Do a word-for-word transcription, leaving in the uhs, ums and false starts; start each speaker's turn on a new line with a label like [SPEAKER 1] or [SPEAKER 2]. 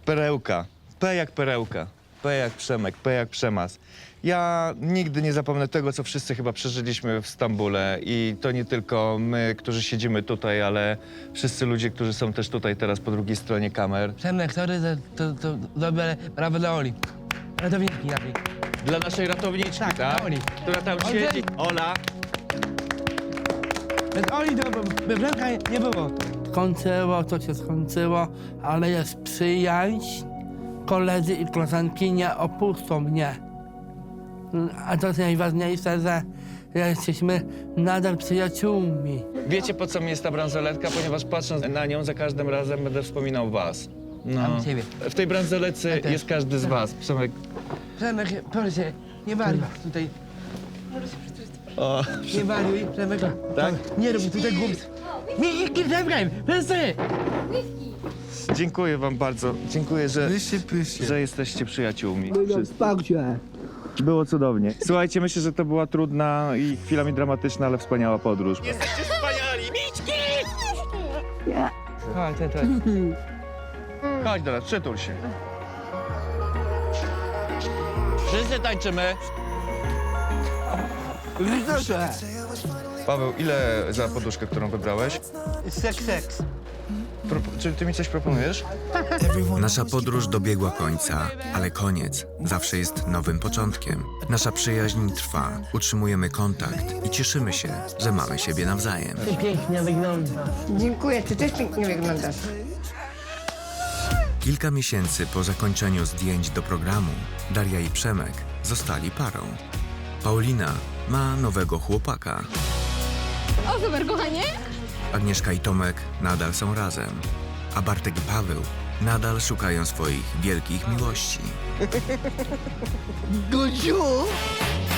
[SPEAKER 1] Perełka. P jak perełka. P jak Przemek, P jak Przemas. Ja nigdy nie zapomnę tego, co wszyscy chyba przeżyliśmy w Stambule. I to nie tylko my, którzy siedzimy tutaj, ale wszyscy ludzie, którzy są też tutaj teraz po drugiej stronie kamer.
[SPEAKER 2] Przemek, sorry, to, to, to dobrze, ale brawo dla Oli. Ratowniczki naszej.
[SPEAKER 1] Dla naszej ratowniczki,
[SPEAKER 2] Tak,
[SPEAKER 1] tak?
[SPEAKER 2] dla Oli.
[SPEAKER 1] Która tam
[SPEAKER 2] Oli.
[SPEAKER 1] siedzi. Ola.
[SPEAKER 2] Bez Oli to by Przemka nie było.
[SPEAKER 3] Skończyło, to się skończyło, ale jest przyjaźń. Koledzy i koleżanki nie opuszczą mnie. A to jest najważniejsze, że jesteśmy nadal przyjaciółmi.
[SPEAKER 1] Wiecie, po co mi jest ta bransoletka? Ponieważ patrząc na nią, za każdym razem będę wspominał was. No.
[SPEAKER 2] Mam ciebie.
[SPEAKER 1] W tej bransoletce
[SPEAKER 2] Ja też.
[SPEAKER 1] jest każdy z was. Przemek.
[SPEAKER 2] Przemek, proszę, nie wariuj tutaj.
[SPEAKER 1] O.
[SPEAKER 2] Nie wariuj, Przemek.
[SPEAKER 1] Tak?
[SPEAKER 2] Nie rób tutaj głupstw. Nie, nie, nie, Przemek, przestań.
[SPEAKER 1] Dziękuję wam bardzo. Dziękuję, że,
[SPEAKER 4] Pyście, pyście.
[SPEAKER 1] że jesteście przyjaciółmi.
[SPEAKER 2] Spokój.
[SPEAKER 1] Było cudownie. Słuchajcie, myślę, że to była trudna i chwilami dramatyczna, ale wspaniała podróż. Jesteście wspaniali! Miczki!
[SPEAKER 2] Chodź, chodź, chodź.
[SPEAKER 1] Chodź do nas, przytul się. Wszyscy tańczymy.
[SPEAKER 2] Proszę.
[SPEAKER 1] Paweł, ile za poduszkę, którą wybrałeś?
[SPEAKER 2] Seks, seks.
[SPEAKER 1] Pro, czy ty mi coś proponujesz?
[SPEAKER 5] Nasza podróż dobiegła końca, ale koniec zawsze jest nowym początkiem. Nasza przyjaźń trwa, utrzymujemy kontakt i cieszymy się, że mamy siebie nawzajem.
[SPEAKER 2] Ty pięknie wyglądasz.
[SPEAKER 6] Dziękuję, ty też pięknie wyglądasz.
[SPEAKER 5] Kilka miesięcy po zakończeniu zdjęć do programu, Daria i Przemek zostali parą. Paulina ma nowego chłopaka.
[SPEAKER 7] O, super, kochanie!
[SPEAKER 5] Agnieszka i Tomek nadal są razem, a Bartek i Paweł nadal szukają swoich wielkich miłości.
[SPEAKER 2] Guziu!